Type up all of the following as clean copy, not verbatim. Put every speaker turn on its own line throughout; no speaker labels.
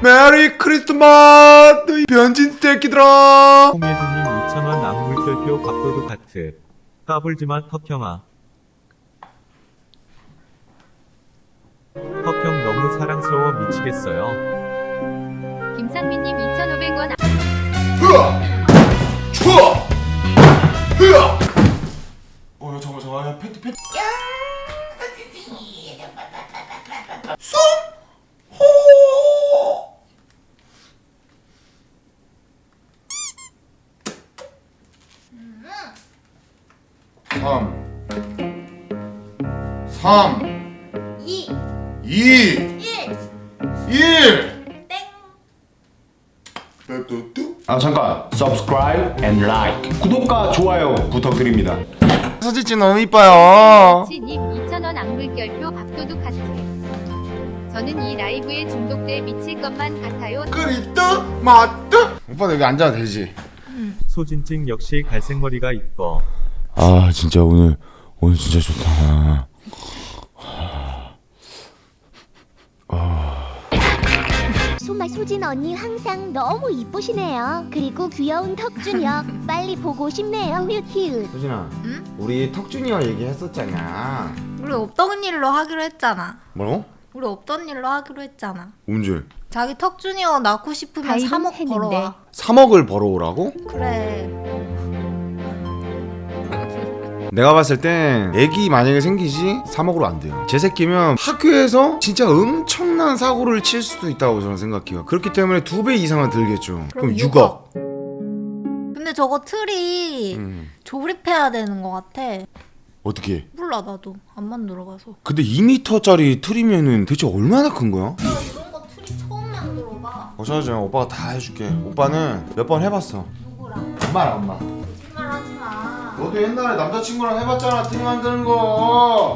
메리 크리스마스 변진 새끼들아.
홍예준님 2,000원 악물결표 밥도둑 하트. 까불지마 턱형아. 턱형 너무 사랑스러워 미치겠어요.
김상민님 2,500원.
흐아 추워 흐아. 잠깐만 야 패티 쏨호 3 2 1
아 잠깐 subscribe and like 구독과 좋아요 부탁드립니다.
사진이 너무 이뻐요.
지님 2,000원 악물결표 밥도둑 하트. 저는 이 라이브에 중독돼 미칠 것만 같아요.
크리스 마트. 오빠 여기 앉아도 되지?
소진찡 역시 갈색머리가 이뻐.
아 진짜 오늘 진짜 좋다.
소마 소진 언니 항상 너무 이쁘시네요. 그리고 귀여운 턱준이요. 빨리 보고 싶네요. 휴휴.
소진아,
응?
우리 턱준이와 얘기했었잖아.
우리 없던 일로 하기로 했잖아.
뭐라고?
우리 없던 일로 하기로 했잖아.
언제?
자기 턱 주니어 낳고 싶으면 3억 벌어와.
3억을 벌어오라고?
그래.
내가 봤을 땐 애기 만약에 생기지 3억으로 안 돼요. 제 새끼면 학교에서 진짜 엄청난 사고를 칠 수도 있다고 저는 생각해요. 그렇기 때문에 2배 이상은 들겠죠. 그럼 6억.
근데 저거 틀이 조립해야 되는 것 같아.
어떻게?
몰라 나도 안 만들어봐서.
근데 2m짜리 틀이면은 대체 얼마나 큰 거야?
나 이런 거 틀이 처음 만들어봐.
걱정하지 마. 오빠가 다 해줄게. 오빠는 몇 번 해봤어.
누구랑?
엄마랑 엄마.
거짓말하지 마.
너도 옛날에 남자친구랑 해봤잖아. 틀이 만드는 거.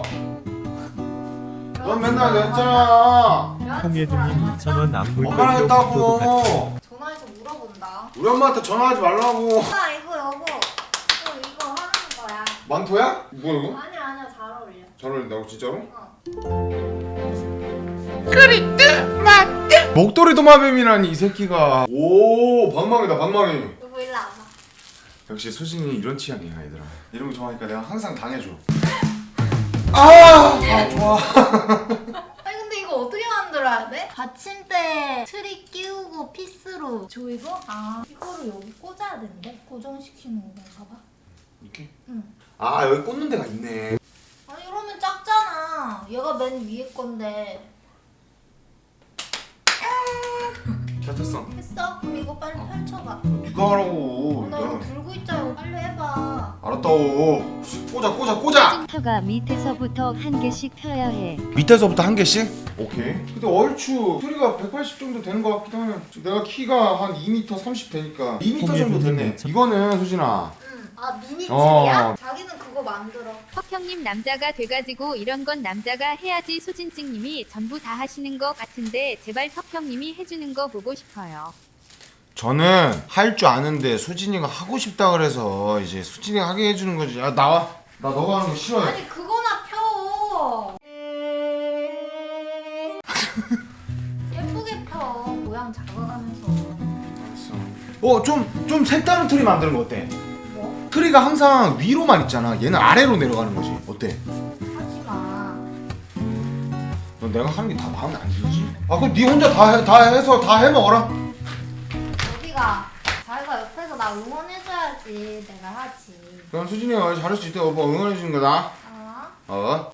넌 맨날 냈잖아.
홍예준님 2,000원
엄마랑
악물결표 밥도둑 하트.
했다고.
전화해서 물어본다.
우리 엄마한테 전화하지 말라고.
아 이거 여보. 이거 하는 거야.
망토야? 뭐야 이거?
아니야 잘 어울려.
잘 어울린다고 진짜로?
어.
목도리 도마뱀이라니 이 새끼가. 오 방망이다 방망이.
여보 일로 와봐.
역시 수진이 이런 취향이야 얘들아. 이런 거 좋아하니까 내가 항상 당해줘. 아 좋아.
아니 근데 이거 어떻게 만들어야 돼? 받침대 트리 끼우고 피스로 조이고? 아 이거를 여기 꽂아야 된대? 고정시키는 건가 봐.
이렇게?
응.
아 여기 꽂는 데가 있네.
아니 이러면 작잖아. 얘가 맨 위에 건데.
잘 탔어.
했어? 그럼 이거 빨리 펼쳐봐.
누가 하라고.
나 이거 들고 있자고 빨리 해봐.
알았다고. 꽂아.
턱가 밑에서부터 한 개씩 펴야 해.
밑에서부터 한 개씩? 오케이. 근데 얼추 소리가 180 정도 되는 것 같기도 하네. 내가 키가 한 2m 30 되니까 2m 정도 되네. 이거는 수진아.
응. 아 미니
어.
틀이야? 자기는 그거 만들어.
턱형님 남자가 돼가지고 이런 건 남자가 해야지. 소진찡님이 전부 다 하시는 거 같은데 제발 턱형님이 해주는 거 보고 싶어요.
저는 할 줄 아는데 수진이가 하고 싶다 그래서 이제 수진이가 하게 해주는 거지. 야 나와. 나 너가 하는 거 싫어해.
아니 그거나 펴. 예쁘게 펴. 모양 잡아가면서.
알았어. 좀 색다른 트리 만드는 거 어때?
뭐?
트리가 항상 위로만 있잖아. 얘는 아래로 내려가는 거지. 어때?
하지 마.
너 내가 하는 게 다 마음에 안 들지? 아 그럼 네 혼자 해서 다 해먹어라.
여기가 자기가 옆에서 나 응원해줘야지 내가 하지.
그럼 수진이가 잘할 수 있대. 오빠 응원해주는 거다.
어?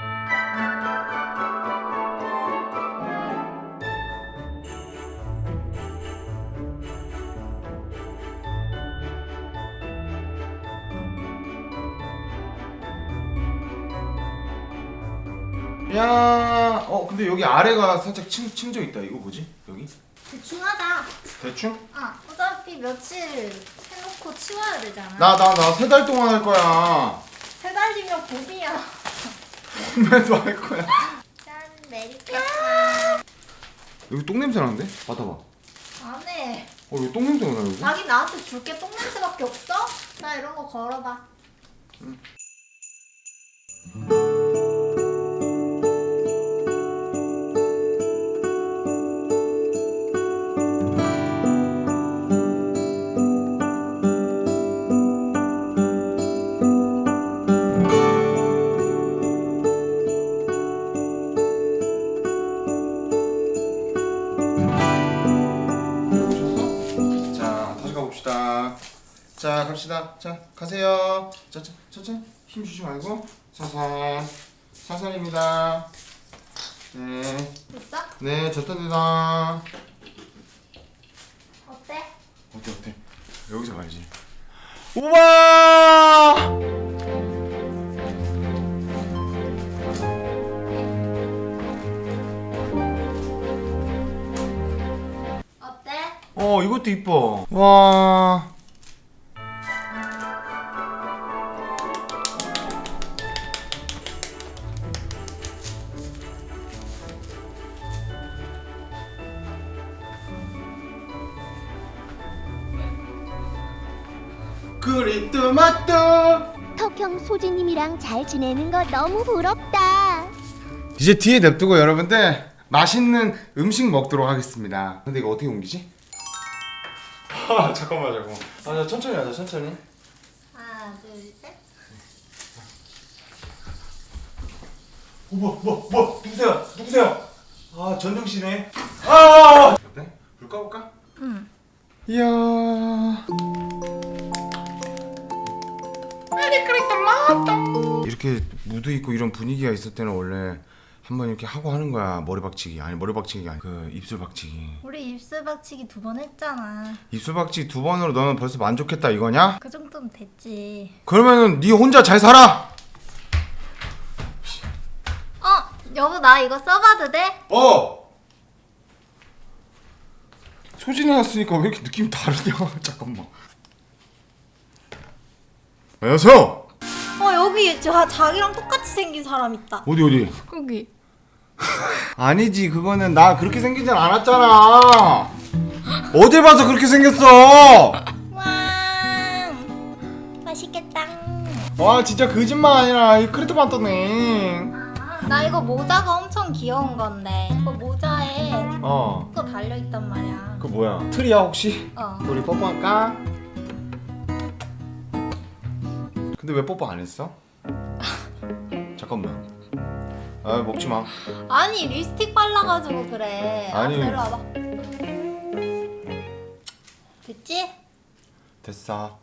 야, 근데 여기 아래가 살짝 침져 있다. 이거 뭐지? 여기?
대충 하자.
대충?
어차피 며칠 해놓고 치워야 되잖아.
나 3달 동안 할 거야.
3달이면 봄이야.
봄에도 할 거야.
짠 메리 크리스마스.
여기 똥 냄새 나는데? 맡아봐.
안 해.
여기 똥 냄새가 나 여기.
자기 나한테 줄 게 똥냄새밖에 없어? 나 이런 거 걸어봐.
자 갑시다. 자 가세요. 자 천천히 힘 주지 말고 살살 살살입니다. 네.
됐어?
네 졌답니다.
어때?
어때 여기서 가야지. 우와
어때?
이것도 이뻐. 와 그리뚜마뚜.
턱형 소진님이랑 잘 지내는 거 너무 부럽다.
이제 뒤에 냅두고 여러분들 맛있는 음식 먹도록 하겠습니다. 근데 이거 어떻게 옮기지? 잠깐만. 자, 천천히 하자 천천히.
하나, 둘, 셋.
뭐야 누구세요? 아 전정씨네. 아 어때? 불 꺼볼까?
응.
이야 이렇게 무드 있고 이런 분위기가 있을 때는 원래 한번 이렇게 하고 하는 거야. 머리 박치기가 아니 그 입술 박치기.
우리 입술 박치기 2번 했잖아.
입술 박치기 2번으로 너는 벌써 만족했다 이거냐?
그 정도면 됐지.
그러면은 네 혼자 잘 살아.
여보 나 이거 써봐도 돼?
소진이 왔으니까 왜 이렇게 느낌이 다르냐? 잠깐만. 안녕하세요.
여기 자기랑 똑같이 생긴 사람 있다.
어디?
거기.
아니지 그거는 나 그렇게 생기진 않았잖아. 어딜 봐서 그렇게 생겼어.
와 맛있겠다.
와 진짜 거짓말 아니라 이 크리토마토네.
나 이거 모자가 엄청 귀여운 건데 이거 모자에 그거 달려있단 말이야.
그거 뭐야? 틀이야 혹시? 우리 뽀뽀할까? 근데 왜 뽀뽀 안 했어? 잠깐만. 먹지 마.
아니 립스틱 발라가지고 그래.
아니.
알았어, 일로 와봐. 됐지?
됐어.